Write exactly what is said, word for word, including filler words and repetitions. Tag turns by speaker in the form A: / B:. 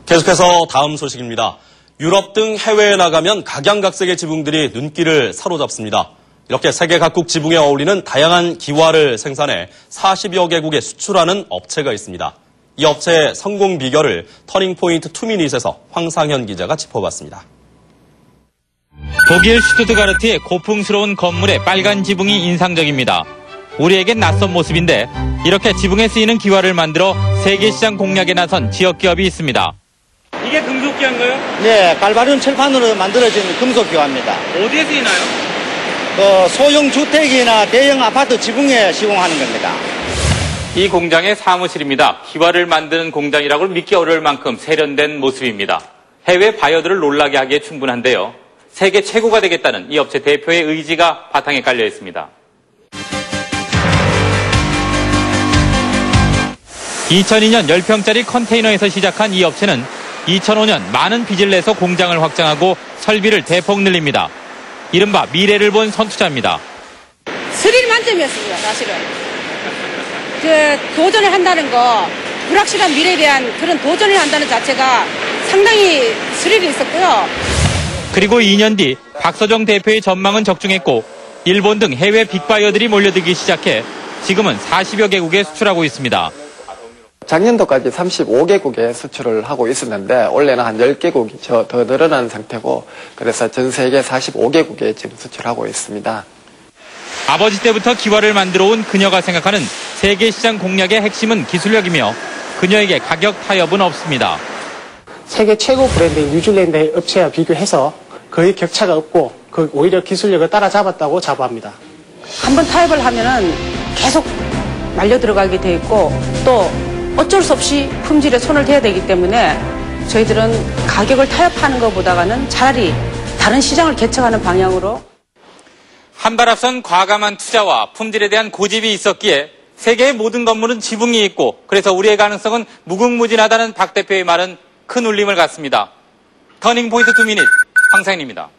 A: 계속해서 다음 소식입니다. 유럽 등 해외에 나가면 각양각색의 지붕들이 눈길을 사로잡습니다. 이렇게 세계 각국 지붕에 어울리는 다양한 기와를 생산해 사십여 개국에 수출하는 업체가 있습니다. 이 업체의 성공 비결을 터닝포인트 투미닛에서 황상현 기자가 짚어봤습니다.
B: 독일 슈투트가르트의 고풍스러운 건물의 빨간 지붕이 인상적입니다. 우리에겐 낯선 모습인데 이렇게 지붕에 쓰이는 기와를 만들어 세계 시장 공략에 나선 지역 기업이 있습니다.
C: 이게 금속기와인가요?
D: 네, 갈바륨 철판으로 만들어진 금속기와입니다.
C: 어디에 쓰이나요?
D: 그 소형 주택이나 대형 아파트 지붕에 시공하는 겁니다.
B: 이 공장의 사무실입니다. 기와를 만드는 공장이라고 믿기 어려울 만큼 세련된 모습입니다. 해외 바이어들을 놀라게 하기에 충분한데요. 세계 최고가 되겠다는 이 업체 대표의 의지가 바탕에 깔려 있습니다. 이천이 년 십 평짜리 컨테이너에서 시작한 이 업체는 이천오 년 많은 빚을 내서 공장을 확장하고 설비를 대폭 늘립니다. 이른바 미래를 본 선투자입니다.
E: 스릴 만점이었습니다, 사실은. 그 도전을 한다는 거, 불확실한 미래에 대한 그런 도전을 한다는 자체가 상당히 스릴이 있었고요.
B: 그리고 이 년 뒤 박서정 대표의 전망은 적중했고 일본 등 해외 빅바이어들이 몰려들기 시작해 지금은 사십여 개국에 수출하고 있습니다.
F: 작년도까지 삼십오 개국에 수출을 하고 있었는데 올해는 한 십 개국이 더 늘어난 상태고 그래서 전 세계 사십오 개국에 지금 수출하고 있습니다.
B: 아버지 때부터 기와를 만들어 온 그녀가 생각하는 세계 시장 공략의 핵심은 기술력이며 그녀에게 가격 타협은 없습니다.
G: 세계 최고 브랜드인 뉴질랜드의 업체와 비교해서 거의 격차가 없고 그 오히려 기술력을 따라잡았다고 자부합니다.
E: 한번 타협을 하면은 계속 말려 들어가게 돼 있고 또 어쩔 수 없이 품질에 손을 대야 되기 때문에 저희들은 가격을 타협하는 것보다는 차라리 다른 시장을 개척하는 방향으로
B: 한 발 앞선 과감한 투자와 품질에 대한 고집이 있었기에 세계의 모든 건물은 지붕이 있고 그래서 우리의 가능성은 무궁무진하다는 박 대표의 말은 큰 울림을 갖습니다. 터닝포인트 투미닛 황상현입니다.